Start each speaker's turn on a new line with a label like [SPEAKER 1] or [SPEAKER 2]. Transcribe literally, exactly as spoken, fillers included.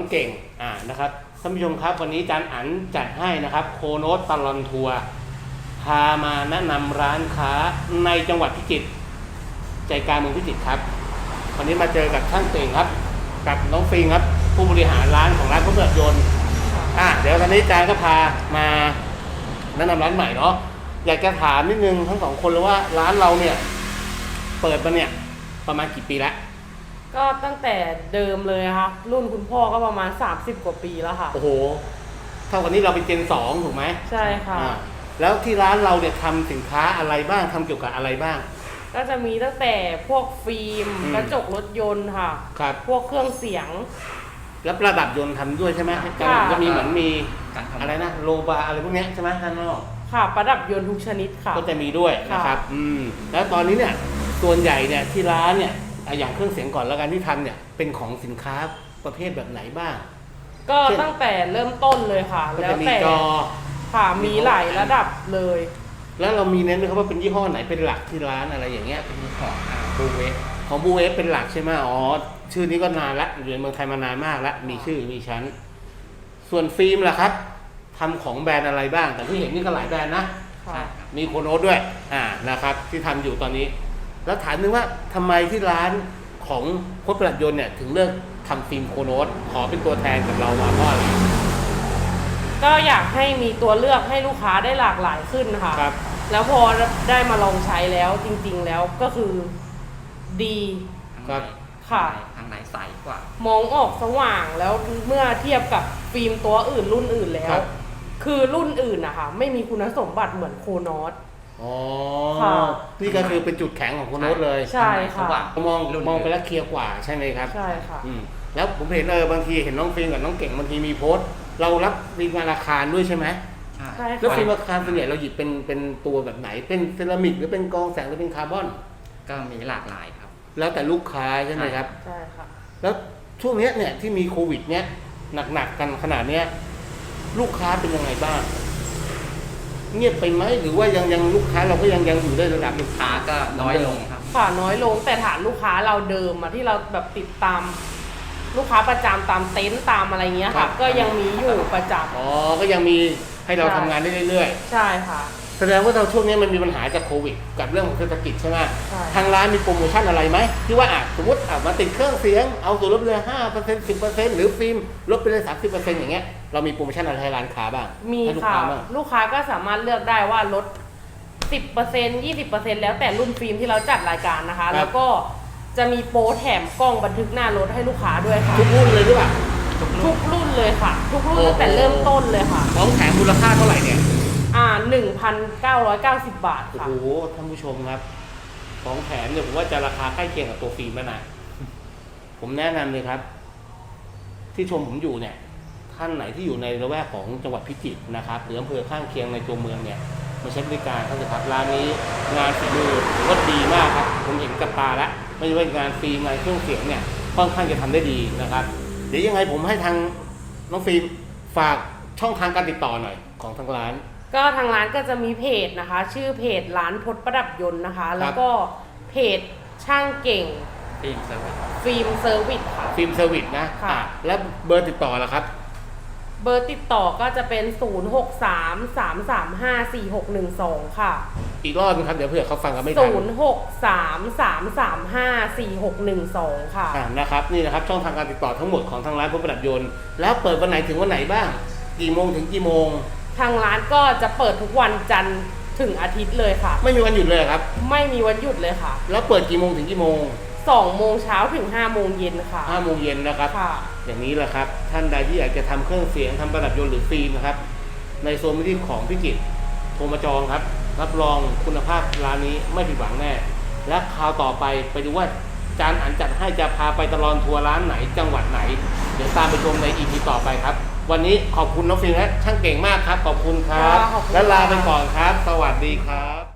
[SPEAKER 1] องเก่งอ่านะครับท่านผู้ชมครับวันนี้อาจารย์อั๋นจัดให้นะครับโคโนตตลอดทัวร์พามาแนะนำร้านค้าในจังหวัดพิจิตรใจกลางเมืองพิจิตรครับวันนี้มาเจอกับช่างเก่งครับกับน้องฟิงครับผู้บริหารร้านของร้านพระเบิดยนต์อ่ะเดี๋ยวตอนนี้อาจารย์ก็พามาแนะนำร้านใหม่เนาะอยากจะถามนิดนึงทั้งสองคนเลยว่าร้านเราเนี่ยเปิดมาเนี่ยประมาณกี่ปีแล้ว
[SPEAKER 2] ก็ตั้งแต่เดิมเลยค่ะรุ่นคุณพ่อก็ประมาณสามสิบกว่าปีแล้วค่ะ
[SPEAKER 1] โอ้โหเท่ากับนี้เราเป็นเจนสองถูกไหม
[SPEAKER 2] ใช่ค่ะ
[SPEAKER 1] แล้วที่ร้านเราเนี่ยทำสินค้าอะไรบ้างทำเกี่ยวกับอะไรบ้าง
[SPEAKER 2] ก็จะมีตั้งแต่พวกฟิล์มกระจกรถยนต์ค่ะ
[SPEAKER 1] ครับ
[SPEAKER 2] พวกเครื่องเสียง
[SPEAKER 1] แล้วประดับยนต์ทำด้วยใช่ไหม
[SPEAKER 2] ค่ะ
[SPEAKER 1] จะมีเหมือนมีอะไรนะโลบาอะไรพวกนี้ใช่ไหมด้านนอก
[SPEAKER 2] ค่ะประดับยนต์ทุกชนิดค่ะ
[SPEAKER 1] ก็จะมีด้วยนะครับอืมแล้วตอนนี้เนี่ยส่วนใหญ่เนี่ยที่ร้านเนี่ยอย่างเครื่องเสียงก่อนแล้วกันที่ทำเนี่ยเป็นของสินค้าประเภทแบบไหนบ้าง
[SPEAKER 2] ก็ตั้งแต่เริ่มต้นเลยค่ะแล้วแต่
[SPEAKER 1] จอ
[SPEAKER 2] ค่ะมีหลายระดับเลย
[SPEAKER 1] แล้วเรามีเน้นไหมครับว่าเป็นยี่ห้อไหนเป็นหลักที่ร้านอะไรอย่างเงี้ย
[SPEAKER 3] เป็นของบูเวฟ
[SPEAKER 1] ของบูเวฟเป็นหลักใช่ไหมอ๋อชื่อนี้ก็นานละอยู่ในเมืองไทยมานานมากแล้วมีชื่อมีชั้นส่วนฟิล์มล่ะครับทำของแบรนด์อะไรบ้างแต่ที่เห็นนี่ก็หลายแบรนด์นะมีโคโนตด้วยอ่านะครับที่ทำอยู่ตอนนี้แล้วถามนึงว่าทำไมที่ร้านของพจน์ประดับยนต์เนี่ยถึงเลือกทำฟิล์มโคโนตขอเป็นตัวแทนกับเรามาเพราะอะไร
[SPEAKER 2] ก็อยากให้มีตัวเลือกให้ลูกค้าได้หลากหลายขึ้นค่ะ
[SPEAKER 1] ครับ
[SPEAKER 2] แล้วพอได้มาลองใช้แล้วจริงๆแล้วก็คือดี
[SPEAKER 1] ครับ
[SPEAKER 3] ค่ะทางไหนใสกว่าม
[SPEAKER 2] องออกสว่างแล้วเมื่อเทียบกับฟิล์มตัวอื่นรุ่นอื่นแล้วคือรุ่นอื่นนะคะไม่มีคุณสมบัติเหมือนโคโนต
[SPEAKER 1] อ๋อนี่ก็คือเป็นจุดแข็งของโคโนตเลย
[SPEAKER 2] ใช่ค่ะ
[SPEAKER 1] มองมองไปแล้วเคลียร์กว่าใช่ไหมครับ
[SPEAKER 2] ใช่ค่ะ
[SPEAKER 1] แล้วผมเห็นเออบางทีเห็นน้องฟิล์มกับน้องเก่งบางทีมีโพสต์เรารับฟิล์มงานอาคารด้วยใช่ไหม
[SPEAKER 2] ใช่
[SPEAKER 1] แล้วฟิล์มอาคารส่วนใหญ่เราหยิบเป็นเป็นตัวแบบไหนเป็นเซรามิกหรือเป็นกองแสงหรือเป็นคาร์บอน
[SPEAKER 3] ก็มีหลากหลายครับ
[SPEAKER 1] แล้วแต่ลูกค้าใช่ไหมครับ
[SPEAKER 2] ใช่ค่ะ
[SPEAKER 1] แล้วช่วงนี้เนี่ยที่มีโควิดเนี้ยหนักๆกันขนาดเนี้ยลูกค้าเป็นยังไงบ้างเงียบไปไหมหรือว่ายังยังลูกค้าเราก็ยังยังอยู่ได้ระดับ
[SPEAKER 3] ลูกค้าก็น้อยลงครับ
[SPEAKER 2] ค่ะน้อยลงแต่ฐานลูกค้าเราเดิมอะที่เราแบบติดตามลูกค้าประจำตามเต็นท์ตามอะไรเงี้ยค่ะก็ยังมีอยู่ประจำ
[SPEAKER 1] อ๋อก็ยังมีให้เราทำงานได้เรื่อย
[SPEAKER 2] ๆใช่ค่ะ
[SPEAKER 1] แสดงว่าเราช่วงนี้มันมีปัญหาจากโควิดกับเรื่องของเศรษฐกิจใช่ไหมทางร้านมีโปรโมชั่นอะไรไหมที่ว่าอ่ะสมมติอ่ะมาติดเครื่องเสียงเอาส่วนลดเลยห้าเปอร์เซ็นต์สิบเปอร์เซ็นต์หรือฟิล์มลดไปเลยสามสิบเปอร์เซ็นต์อย่างเงี้ยเรามีโปรโมชั่นอะไรให้ร้านค้าบ้าง
[SPEAKER 2] มีค่ะลูกค้าก็สามารถเลือกได้ว่าลดสิบเปอร์เซ็นต์ยี่สิบเปอร์เซ็นต์แล้วแต่รุ่นฟิล์มที่เราจัดรายการนะคะแล้วก็จะมีโปรแถมกล้องบันทึกหน้ารถให้ลูกค้าด้วยค่ะ
[SPEAKER 1] ทุกรุ่นเลยหรือเปล่า
[SPEAKER 2] ทุกรุ่นเลยค่ะทุกรุ่นตั้งแต่เริ่มต้นเลยค่ะ
[SPEAKER 1] ของแถมมูลค่าเท่าไหร่เนี่ย
[SPEAKER 2] อ่า หนึ่งพันเก้าร้อยเก้าสิบ บาทค่ะ
[SPEAKER 1] โอ้โหท่านผู้ชมครับของแถมเนี่ยผมว่าจะราคาใกล้เคียงกับตัวฟิล์มแล้วนะผมแนะนำเลยครับที่ชมผมอยู่เนี่ยท่านไหนที่อยู่ในละแวกของจังหวัดพิจิตรนะครับหรืออำเภอข้างเคียงในตัวเมืองเนี่ยมาใช้บริการเขาจะครับร้านนี้งานฝีมือก็ดีมากครับผมเห็นกับตาแล้วไม่ว่างานฟิล์มงานเครื่องเสียงเนี่ยค่อนข้างจะทำได้ดีนะครับเดี๋ยวยังไงผมให้ทางน้องฟิล์มฝากช่องทางการติดต่อหน่อยของทางร้าน
[SPEAKER 2] ก็ทางร้านก็จะมีเพจนะคะชื่อเพจร้านพจน์ประดับยนต์นะคะแล้วก็เพจช่างเก่ง
[SPEAKER 3] ฟิล์มเซอร์วิส
[SPEAKER 2] ฟิล์มเซอร์วิสค่ะ
[SPEAKER 1] ฟิล์มเซอร์วิสนะค่ะแล้วเบอร์ติดต่อล่ะครับ
[SPEAKER 2] เบอร์ติดต่อก็จะเป็นศูนย์ หก สาม สาม สาม ห้า สี่ หก หนึ่ง สองค่ะ
[SPEAKER 1] อีกรอบนึงครับเดี๋ยวเผื่อเขาฟังกันไม่ทัน
[SPEAKER 2] ศูนย์ หก สาม สาม สาม ห้า สี่ หก หนึ่ง สองค่ะ
[SPEAKER 1] อ่านะครับนี่นะครับช่องทางการติดต่อทั้งหมดของทางร้านพจน์ประดับยนต์แล้วเปิดวันไหนถึงวันไหนบ้างกี่โมงถึงกี่โมง
[SPEAKER 2] ทางร้านก็จะเปิดทุกวันจันทร์ถึงอาทิตย์เลยค่ะ
[SPEAKER 1] ไม่มีวันหยุดเลยครับ
[SPEAKER 2] ไม่มีวันหยุดเลยค่ะ
[SPEAKER 1] แล้วเปิดกี่โมงถึงกี่โมง
[SPEAKER 2] สองโมงเช้าถึงห้าโมงเย็นค่ะ
[SPEAKER 1] ห้าโมงเย็นนะครับ
[SPEAKER 2] ค่ะ
[SPEAKER 1] อย่างนี้แหละครับท่านใดที่อยากจะทำเครื่องเสียงทำประดับยนต์หรือฟิล์มนะครับในโซนที่ของพิจิตรโทรมาจองครับรับรองคุณภาพร้านนี้ไม่ผิดหวังแน่และคราวต่อไปไปดูว่าอาจารย์อั๋นจัดให้จะพาไปตลอดทัวร์ร้านไหนจังหวัดไหนเดี๋ยวตามไปชมใน อี พี ต่อไปครับวันนี้ขอบคุณน้องฟิล์มและช่างเก่งมากครับขอบคุณครับและลาไปก่อนครับสวัสดีครับ